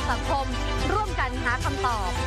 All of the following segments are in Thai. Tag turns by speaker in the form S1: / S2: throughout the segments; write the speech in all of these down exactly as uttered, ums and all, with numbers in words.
S1: สังคมร่วมกันหาคำตอบ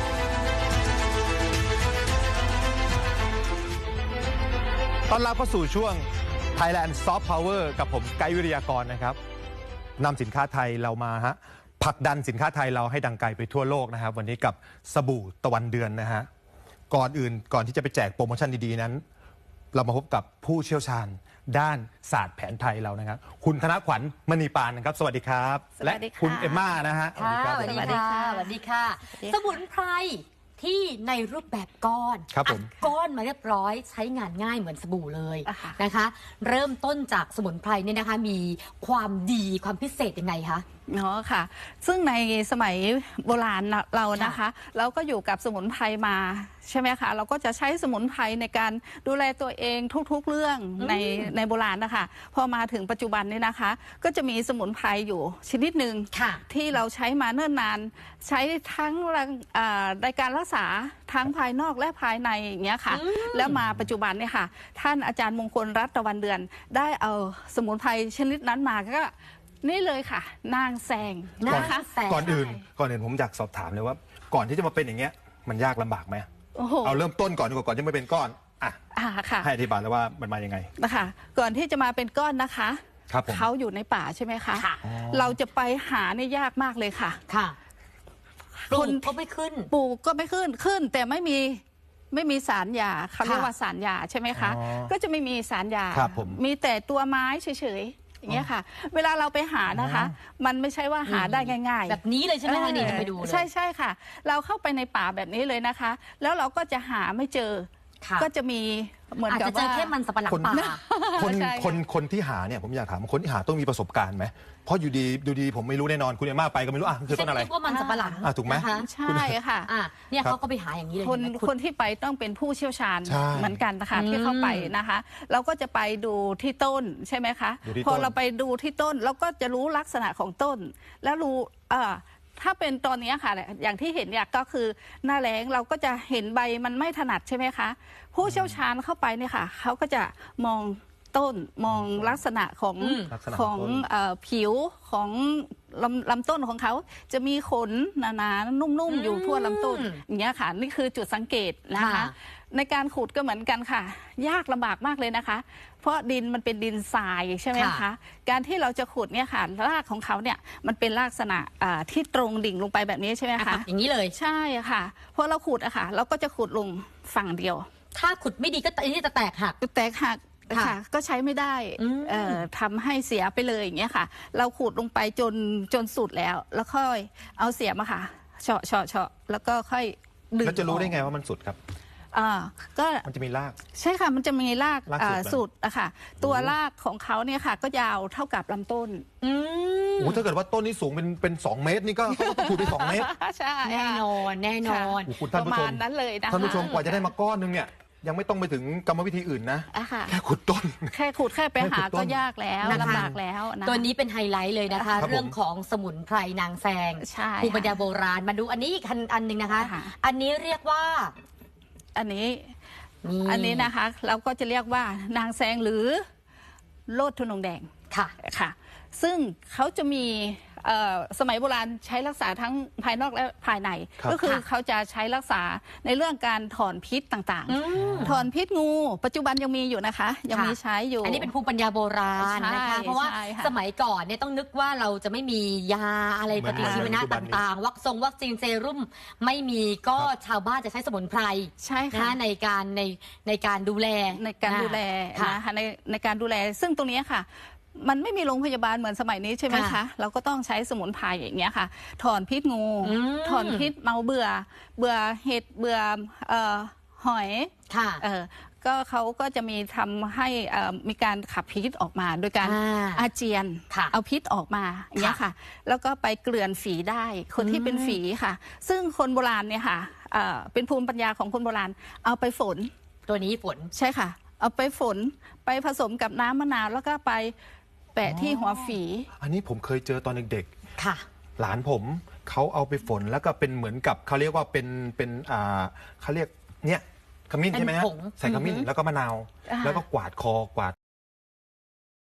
S2: ต้อนรับเข้าสู่ช่วง Thailand Soft Power กับผมไกด์วิทยากรนะครับนำสินค้าไทยเรามาฮะผลักดันสินค้าไทยเราให้ดังไกลไปทั่วโลกนะครับวันนี้กับสบู่ตะวันเดือนนะฮะก่อนอื่นก่อนที่จะไปแจกโปรโมชั่นดีๆนั้นเรามาพบกับผู้เชี่ยวชาญด้านศาสตร์แผนไทยเรานะครับคุณธนขวัญมณีปานนะครับสวัสดีครับและคุณเอมม่านะฮะ
S1: สวัสดีค่ะสวัสดีค่ะสวัสดีค่ะสมุนไพรที่ในรูปแบบก้อน
S2: ครับผม
S1: ก้อนมาเรียบร้อยใช้งานง่ายเหมือนสบู่เลยนะคะเริ่มต้นจากสมุนไพรเนี่ยนะคะมีความดีความพิเศษยังไงคะ
S3: เนาะค่ะซึ่งในสมัยโบราณเรานะคะเราก็อยู่กับสมุนไพรมาใช่ไหมคะเราก็จะใช้สมุนไพรในการดูแลตัวเองทุกๆเรื่องในในโบราณนะคะพอมาถึงปัจจุบันนี้นะคะก็จะมีสมุนไพรอยู่ชนิดหนึ่งที่เราใช้มาเนิ่นนานใช้ทั้งในการรักษาทั้งภายนอกและภายในอย่างเงี้ยค่ะแล้วมาปัจจุบันเนี่ยค่ะท่านอาจารย์มงคลรัตน์ตะวันเดือนได้เอาสมุนไพรชนิดนั้นมาก็นี่เลยค่ะนางแซงนะคะ
S2: ก่อนอื่นก่อนอื่นผมอยากสอบถามเลยว่าก่อนที่จะมาเป็นอย่างเงี้ยมันยากลำบากไหมเอาเริ่มต้นก่อนดีกว่าก่อนที่ไม่เป็นก้อนอ่ะให้อธิบายแล้วว่ามันมายังไง
S3: นะคะก่อนที่จะมาเป็นก้อนนะคะเขาอยู่ในป่าใช่ไหมคะเราจะไปหาเนี่ยยากมากเลยค่ะ
S1: ค่ะปลูกก็ไม่ขึ้น
S3: ปลูกก็ไม่ขึ้นขึ้นแต่ไม่มีไม่มีสารยาเขาเรียกว่าสารยาใช่ไหมคะก็จะไม่มีสารยามีแต่ตัวไม้เฉยอย่างเงี้ยค่ะเวลาเราไปหานะคะมันไม่ใช่ว่าหาได้ง่ายๆ
S1: แบบนี้เลยใช่ไหมคะนี่จะไปดูเลย
S3: ใช่ใช่ค่ะเราเข้าไปในป่าแบบนี้เลยนะคะแล้วเราก็จะหาไม่เจอก็จะมีเหมือนกับว่า
S1: อาจจะเจอแค่มันสับปะหลังป่า
S2: คนคนคนที่หาเนี่ยผมอยากถามคนที่หาต้องมีประสบการณ์ไหมเพราะอยู่ดีดูดีผมไม่รู้แน่นอนคุณเอม่าไปก็ไม่รู้อ่ะคือต้นอะไร
S1: ว่ามันสับปะหลัง
S2: ถูกไหม
S3: ใช่ค่ะ
S1: เนี่ยเขาก็ไปหาอย่างนี้เลย
S3: คนคนที่ไปต้องเป็นผู้เชี่ยวชาญเหมือนกันนะคะที่เข้าไปนะคะเราก็จะไปดูที่ต้นใช่ไหมคะพอเราไปดูที่ต้นเราก็จะรู้ลักษณะของต้นแล้วรู้เออถ้าเป็นตอนนี้ค่ะอย่างที่เห็นเนี่ยก็คือหน้าแล้งเราก็จะเห็นใบมันไม่ถนัดใช่ไหมคะผู้เชี่ยวชาญเข้าไปเนี่ยค่ะเขาก็จะมองต้นมองลักษณะของของผิวของลำลำต้นของเขาจะมีขนหนาๆนุ่มๆอยู่ทั่วลำต้นอย่างเงี้ยค่ะนี่คือจุดสังเกตนะคะในการขุดก็เหมือนกันค่ะยากลำบากมากเลยนะคะเพราะดินมันเป็นดินทรายใช่ไหมคะการที่เราจะขุดเนี่ยค่ะรากของเขาเนี่ยมันเป็นลักษณะที่ตรงดิ่งลงไปแบบนี้ใช่ไหมคะ
S1: อย่างนี้เลย
S3: ใช่ค่ะพอเราขุดอะค่ะเราก็จะขุดลงฝั่งเดียว
S1: ถ้าขุดไม่ดีก็ที่จะแตกหัก
S3: แตกหักค่ะก็ใช้ไม่ได้ทำให้เสียไปเลยอย่างเงี้ยค่ะเราขูดลงไปจนจนสุดแล้วแล้วค่อยเอาเสียมอะค่ะเฉาะเฉาะเฉาะแล้วก็ค่อย
S2: ดึงแล้วจะรู้ได้ไงว่ามันสุดครับ
S3: อ่าก็
S2: มันจะมีราก
S3: ใช่ค่ะมันจะมีรากสุดอะค่ะตัวรากของเขาเนี่ยค่ะก็ยาวเท่ากับลำต้น
S2: อืมโอ้ถ้าเกิดว่าต้นนี้สูงเป็นเป็นสองเมตรนี่ก็เขาก็ต้องขุดไปสองเมตร
S3: ใช่
S1: แน่นอนแน่นอน
S3: ประมาณนั้นเลยนะ
S2: ท่านผู้ชมกว่าจะได้มาก้อนนึงเนี่ยยังไม่ต้องไปถึงกรรมวิธีอื่นนะแค่ขุดต้น
S3: แค่ขุดแค่ไปหาก็ยากแล้วลำบากแล้วนะ
S1: ตัวนี้เป็นไฮไลท์เลยนะคะเรื่องของสมุนไพรนางแซงภูมิปัญญาโบราณมาดูอันนี้อีกอันหนึ่งนะคะอันนี้เรียกว่า
S3: อันนี้อันนี้นะคะเราก็จะเรียกว่านางแซงหรือโลดทุนงแดง
S1: ค่ะ
S3: ค่ะซึ่งเขาจะมีสมัยโบราณใช้รักษาทั้งภายนอกและภายในก็คือเขาจะใช้รักษาในเรื่องการถอนพิษต่างๆถอนพิษงูปัจจุบันยังมีอยู่นะคะยังมีใช้อยู่
S1: อันนี้เป็นภูมิปัญญาโบราณนะคะเพราะว่าสมัยก่อนเนี่ยต้องนึกว่าเราจะไม่มียาอะไรปฏิชีวนะต่างๆวัคซงวัคซีนเซรุ่มไม่มีก็ชาวบ้านจะใช้สมุนไพร
S3: ใช่ค่ะ
S1: ในการในในการดูแล
S3: ในการดูแลนะคะในในการดูแลซึ่งตรงนี้ค่ะมันไม่มีโรงพยาบาลเหมือนสมัยนี้ใช่ไหมคะเราก็ต้องใช้สมุนไพรอย่างเงี้ยค่ะถอนพิษงูถอนพิษเมาเบื่อเบื่อเห็ดเบื่อหอย
S1: ค่ะ
S3: ก็เขาก็จะมีทำให้มีการขับพิษออกมาโดยการอาเจียนเอาพิษออกมาอย่างเงี้ยค่ะแล้วก็ไปเกลื่อนฝีได้คนที่เป็นฝีค่ะซึ่งคนโบราณเนี่ยค่ะเป็นภูมิปัญญาของคนโบราณเอาไปฝน
S1: ตัวนี้ฝน
S3: ใช่ค่ะเอาไปฝนไปผสมกับน้ำมะนาวแล้วก็ไปแปะที่หัวฝี
S2: อันนี้ผมเคยเจอตอนเด็ก
S1: ๆค่ะ
S2: หลานผมเขาเอาไปฝนแล้วก็เป็นเหมือนกับเขาเรียกว่าเป็นเป็นอ่าเขาเรียกเนี่ยขมิ้นใช่ไหมฮะใส่ขมิ้นแล้วก็มะนาวแล้วก็กวาดคอกวาด